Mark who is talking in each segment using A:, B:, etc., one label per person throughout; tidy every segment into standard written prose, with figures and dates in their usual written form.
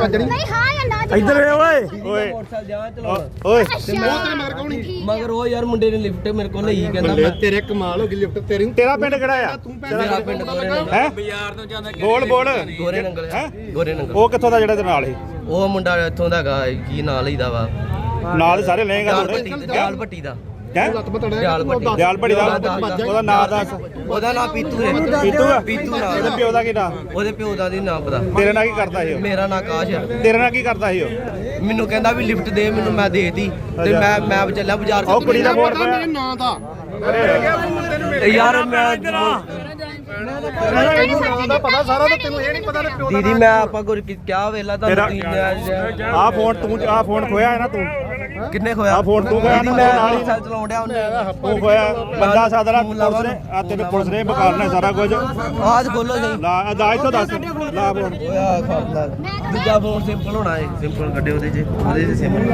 A: ਵੱਜਣੀ
B: ਨਹੀਂ ਹਾਂ ਜਾਂ ਨਾ
C: ਇੱਧਰ ਓਏ ਓਏ
D: ਮੋਟਰਸਾਈਕਲ ਜਾ ਚਲਾਉਣਾ
C: ਓਏ
A: ਮਗਰ ਕੌਣੀ
D: ਮਗਰ ਉਹ ਯਾਰ ਮੁੰਡੇ ਨੇ ਲਿਫਟ ਮੇਰੇ ਕੋਲ ਲਈ ਕਹਿੰਦਾ
A: ਬੱਲੇ ਤੇਰੇ ਕਮਾਲ ਹੋ ਗਈ ਲਿਫਟ ਤੇਰੀ
C: ਤੇਰਾ ਪਿੰਡ ਕਿਹੜਾ ਆ
D: ਮੇਰਾ ਪਿੰਡ ਗੋਰੇ ਨੰਗਲ
C: ਹੈ
E: ਬਾਜ਼ਾਰ ਤੋਂ ਜਾਂਦਾ
C: ਬੋਲ ਬੋਲ
D: ਗੋਰੇ ਨੰਗਲ
C: ਹੈ
D: ਗੋਰੇ ਨੰਗਲ
C: ਉਹ ਕਿੱਥੋਂ ਦਾ ਜਿਹੜਾ ਤੇ ਨਾਲ ਸੀ
D: ਉਹ ਮੁੰਡਾ ਇੱਥੋਂ ਦਾ ਹੈਗਾ ਕੀ ਨਾਂ ਲਈਦਾ ਵਾ
C: ਨਾਲ ਦੇ ਸਾਰੇ ਲਏਗਾ
D: ਦਿਆਲ ਭੱਟੀ ਦਾ
C: ਹੈ
D: ਦਿਆਲ ਭੱਟੀ
C: ਦਿਆਲ ਭੜੀ ਦਾ ਉਹਦਾ ਨਾਂ ਦੱਸ
D: ਉਹਦਾ ਨਾਂ ਪੀਤੂ ਹੈ
C: ਪੀਤੂ ਆ
D: ਪੀਤੂ ਨਾਂ
C: ਉਹਦੇ ਪਿਓ ਦਾ ਕੀ ਨਾਂ
D: ਉਹਦੇ ਪਿਓ ਦਾ ਨਹੀਂ ਨਾਂ ਪਤਾ
C: ਤੇਰੇ ਨਾਲ ਕੀ ਕਰਦਾ ਸੀ ਉਹ
D: ਮੇਰਾ ਨਾਂ ਆਕਾਸ਼ ਹੈ
C: ਤੇਰੇ ਨਾਲ ਕੀ ਕਰਦਾ ਸੀ ਉਹ
D: ਮੈਨੂੰ ਕਹਿੰਦਾ ਵੀ ਲਿਫਟ ਦੇ ਮੈਨੂੰ ਮੈਂ ਦੇਤੀ ਤੇ ਮੈਂ ਚੱਲਿਆ ਬਾਜ਼ਾਰ
C: ਉਹ ਕੁੜੀ ਦਾ ਫੋਨ
A: ਮੇਰੇ ਨਾਂ ਦਾ
D: ਯਾਰ ਮੈਂ
A: ਤੈਨੂੰ ਨਾਂ ਦਾ ਪਤਾ ਸਾਰਾ ਤੇ ਤੈਨੂੰ ਇਹ ਨਹੀਂ ਪਤਾ ਪਿਓ ਦਾ
D: ਦੀਦੀ ਮੈਂ ਆਪਾਂ ਕੋਈ ਕਿਆ ਵੇਲਾ ਤੁਹਾਨੂੰ
C: ਆ ਫੋਨ ਖੋਇਆ ਹੈ ਨਾ ਤੂੰ
D: ਕਿੰਨੇ ਖੋਇਆ
C: ਆ ਫੋਨ ਤੂੰ ਖੋਇਆ ਨਾ
D: ਮੈਂ
C: ਨਾਲ ਹੀ
D: ਸਾਲ ਚਲਾਉਣ ਡਿਆ ਉਹਨੇ
C: ਤੂੰ ਖੋਇਆ ਬੰਦਾ ਸਾਦਰਾ ਪੁਲਿਸ ਨੇ ਆ ਤੈਨੂੰ ਪੁਲਿਸ ਨੇ ਬਕਾਲਣਾ ਸਾਰਾ ਕੁਝ
D: ਆਜ ਖੋਲੋ ਸਹੀ
C: ਲਾ ਦਾਜ ਤੋਂ ਦੱਸ ਲਾ ਫੋਨ
D: ਓਏ ਖਾਲਾ ਦੂਜਾ ਫੋਨ ਸਿੰਪਲ ਹੋਣਾ ਹੈ ਸਿੰਪਲ ਕੱਢੇ ਉਹਦੇ 'ਚ ਸਿੰਪਲ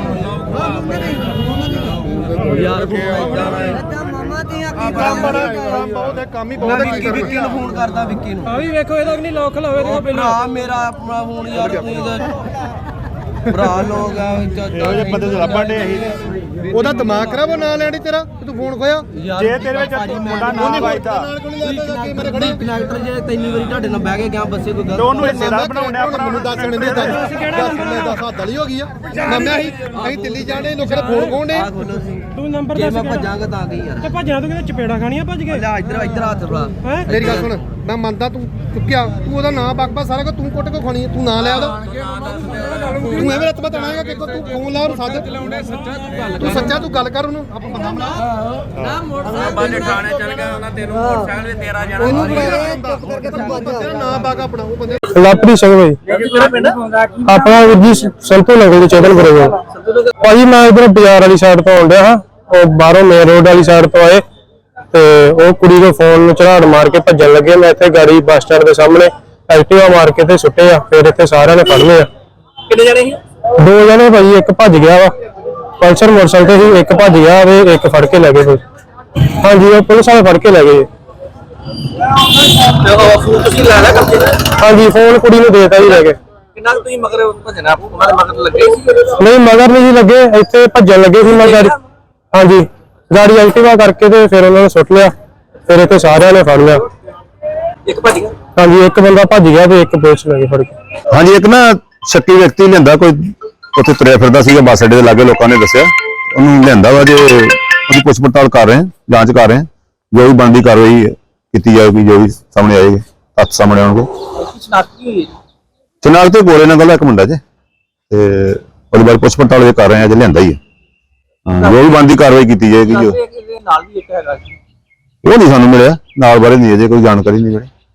D: ਯਾਰ ਫੋਨ ਜਾਣਾ ਹੈ
A: ਕੰਮ ਬੜਾ ਬਹੁਤ ਹੈ ਕੰਮ ਹੀ ਬਹੁਤ ਹੈ ਕੀ
D: ਵਿੱਕੀ ਨੂੰ ਫੋਨ ਕਰਦਾ ਵਿੱਕੀ ਨੂੰ
E: ਆ ਵੀ ਵੇਖੋ ਇਹਦਾ ਨਹੀਂ ਲੋਕ ਲਾਵੇ ਦੇਖੋ
D: ਭਰਾ ਮੇਰਾ ਆਪਣਾ ਫੋਨ ਯਾਰ ਤੁਸੀਂ ਭਰਾ ਲੋਕ ਆ
C: ਇਹੋ ਜਿਹੇ ਬੰਦੇ ਤੋਂ ਲੱਭਣ ਡੇ ਅਸੀਂ
A: ਉਹਦਾ ਦਿਮਾਗ ਖਰਾਬ ਉਹ ਨਾਂ ਲੈਣੀ ਤੇਰਾ ਤੂੰ ਫੋਨ ਖੋਇਆ
C: ਜੇ ਤੇਰੇ ਵਿੱਚ ਮੁੰਡਾ ਨਾ ਵਾਇਦਾ
A: ਨਾਲ ਕੋਲ ਜਾਂਦਾ ਕਿ ਮੇਰੇ ਖੜੀ
D: ਕਨੈਕਟਰ ਜੇ ਤਿੰਨੀ ਵਾਰੀ ਤੁਹਾਡੇ ਨਾਲ ਬਹਿ ਕੇ ਗਿਆ ਬੱਸੇ ਕੋਈ
C: ਤੇ ਉਹਨੂੰ ਹਿੱਸੇਦਾਰ ਬਣਾਉਣਾ ਆਪਣਾ
A: ਮੈਨੂੰ ਦੱਸਣ ਦੇ ਦੱਸ ਹੱਦ ਵਾਲੀ ਹੋ ਗਈ ਆ ਮੰਮਿਆ ਅਸੀਂ ਦਿੱਲੀ ਜਾਣੇ ਲੋਕਾਂ ਦਾ ਫੋਨ ਖੋਣ ਦੇ
D: ਆ ਖੋਲੋ ਸੀ
E: ਤੂੰ ਨੰਬਰ
D: ਜੇ
E: ਦੱਸ
D: ਮੈਂ ਭੱਜਾਂਗਾ ਤਾਂ ਗਈ ਯਾਰ
E: ਤੇ ਭੱਜਣਾ ਤੂੰ ਕਿਤੇ ਚਪੇੜਾ ਖਾਣੀਆਂ ਭੱਜ ਕੇ
D: ਲੈ ਇੱਧਰ ਹੱਥ ਫੜਾ
E: ਹੈ
A: ਮੇਰੀ ਗੱਲ ਸੁਣ ਮੈਂ ਮੰਨਦਾ ਤੂੰ ਚੁੱਕਿਆ ਤੂੰ ਉਹਦਾ ਨਾਂ ਬਕਬਾ ਸਾਰਾ ਕੁਝ ਤੂੰ ਕੁੱਟ ਕੇ ਖਾਣੀ ਤੂੰ ਨਾਂ ਲਿਆ ਉਹਦਾ ਤੂੰ ਐਵੇਂ ਰੱਤ ਬਤਾਣਾਗਾ ਕਿ ਤੂੰ ਫੋਨ ਲਾ ਉਹਨੂੰ ਸੱਦ ਤੂੰ ਸੱਚਾ ਤੂੰ ਗੱਲ ਕਰ ਉਹਨੂੰ ਆਪਾਂ ਬੰਦਾ ਬਣਾ
E: ਬਾਲੇ ਥਾਣੇ ਚੱਲ ਗਿਆ ਉਹਨਾਂ ਤੈਨੂੰ ਮੋਟਰਸਾਈਕਲ ਵੀ ਤੇਰਾ ਜਾਣਾ
A: ਉਹਨੂੰ ਤੇਰਾ ਨਾਂ ਬਾਗ ਆਪਣਾ ਉਹ ਬੰਦੇ
F: ਲਾਪਰੀ ਸਿੰਘ ਭਾਈ ਆਪਣਾ ਵੀਰ ਜੀ ਸੰਤੂ ਨਗਰ ਦੇ ਚੇਤਨ ਕਰੋਗੇ ਭਾਜੀ ਮੈਂ ਇਧਰ ਬਾਜ਼ਾਰ ਵਾਲੀ ਸਾਈਡ ਤੋਂ ਆਉਂਦਿਆ ਹਾਂ ਉਹ ਬਾਹਰੋਂ ਮੇਨ ਰੋਡ ਵਾਲੀ ਸਾਈਡ ਤੋਂ ਆਏ ਤੇ ਉਹ ਕੁੜੀ ਦੇ ਫੋਨ ਨੂੰ ਝਾੜ ਮਾਰ ਕੇ ਭੱਜਣ ਲੱਗੇ ਮੈਂ ਇੱਥੇ ਗਾੜੀ ਬੱਸ ਸਟੈਂਡ ਦੇ ਸਾਹਮਣੇ ਐਕਟਿਵਾ ਮਾਰ ਕੇ ਤੇ ਸੁੱਟੇ ਆ ਫਿਰ ਇੱਥੇ ਸਾਰਿਆਂ ਨੇ ਫੜ ਲਏ ਆ
E: ਕਿੰਨੇ ਜਣੇ ਸੀ
F: ਦੋ ਜਣੇ ਭਾਜੀ ਇੱਕ ਭੱਜ ਗਿਆ ਵਾ ਪਲਸਰ ਮੋਟਰਸਾਈਕਲ ਤੇ ਸੀ ਇੱਕ ਭੱਜ ਗਿਆ ਤੇ ਇੱਕ ਫੜ ਕੇ ਲੈ ਗਏ ਫਿਰ ਹਾਂਜੀ ਉਹ ਪੁਲਿਸ ਵਾਲੇ ਫੜ ਕੇ ਲੈ ਗਏ
E: ਫੋਨ ਤੁਸੀਂ ਲੈ ਲਿਆ ਕਬਜੇ
F: ਹਾਂਜੀ ਫੋਨ ਕੁੜੀ ਨੂੰ ਦੇਤਾ ਜੀ ਲੈ ਕੇ
E: ਕਿੰਨਾ ਤੁਸੀਂ ਮਗਰ ਭਜਣਾ ਉਹਨਾਂ ਦੇ ਮਗਰ ਲੱਗੇ ਸੀ
F: ਨਹੀਂ ਮਗਰ ਨਹੀਂ ਜੀ ਲੱਗੇ ਇੱਥੇ ਭੱਜਣ ਲੱਗੇ ਸੀ ਮੈਂ ਗਾੜੀ ਹਾਂਜੀ ਗਾੜੀ ਐਕਟਿਵਾ ਕਰਕੇ ਤੇ ਫਿਰ ਉਹਨਾਂ ਨੇ ਸੁੱਟ ਲਿਆ ਫਿਰ ਇੱਥੇ ਸਾਰਿਆਂ ਨੇ ਫੜ ਲਿਆ
E: ਇੱਕ ਭੱਜ ਗਿਆ
F: ਹਾਂਜੀ ਇੱਕ ਬੰਦਾ ਭੱਜ ਗਿਆ ਤੇ ਇੱਕ ਪੁਲਿਸ ਲੈ ਕੇ ਫੜ ਕੇ
G: ਹਾਂਜੀ ਇੱਕ ਨਾ ਸ਼ੱਕੀ ਵਿਅਕਤੀ ਲਿਆਂਦਾ ਕੋਈ ਉੱਥੇ ਤੁਰਿਆ ਫਿਰਦਾ ਸੀਗਾ ਬੱਸ ਅੱਡੇ ਦੇ ਲਾਗੇ ਲੋਕਾਂ ਨੇ ਦੱਸਿਆ ਉਹਨੂੰ ਲਿਆਂਦਾ ਵਾ ਜੇ ਉਹਦੀ ਪੁੱਛ ਪੜਤਾਲ ਕਰ ਰਹੇ ਹਾਂ ਜਾਂਚ ਕਰ ਰਹੇ ਹਾਂ ਜੋ ਵੀ ਬਣਦੀ ਕਾਰਵਾਈ ਕੀਤੀ ਜਾਊਗੀ ਜੋ ਵੀ ਸਾਹਮਣੇ ਆਏਗੀ ਹੱਥ ਸਾਹਮਣੇ ਆਉਣਗੇ ਚਨਾਲ ਤੇ ਗੋਰੇ ਨੰਗਲ ਦਾ ਇੱਕ ਮੁੰਡਾ ਜੇ ਤੇ ਉਹਦੇ ਬਾਰੇ ਪੁੱਛ ਪੜਤਾਲ ਕਰ ਰਹੇ ਹਾਂ ਜੇ ਲਿਆਂਦਾ ਹੀ ਹੈ ਜੋ ਵੀ ਬਣਦੀ ਕਾਰਵਾਈ ਕੀਤੀ ਜਾਏਗੀ ਜੋ
E: ਨਾਲ ਵੀ ਇੱਕ ਹੈਗਾ
G: ਉਹ ਨਹੀਂ ਸਾਨੂੰ ਮਿਲਿਆ ਨਾਲ ਬਾਰੇ ਨਹੀਂ ਅਜੇ ਕੋਈ ਜਾਣਕਾਰੀ ਨਹੀਂ ਮਿਲੀ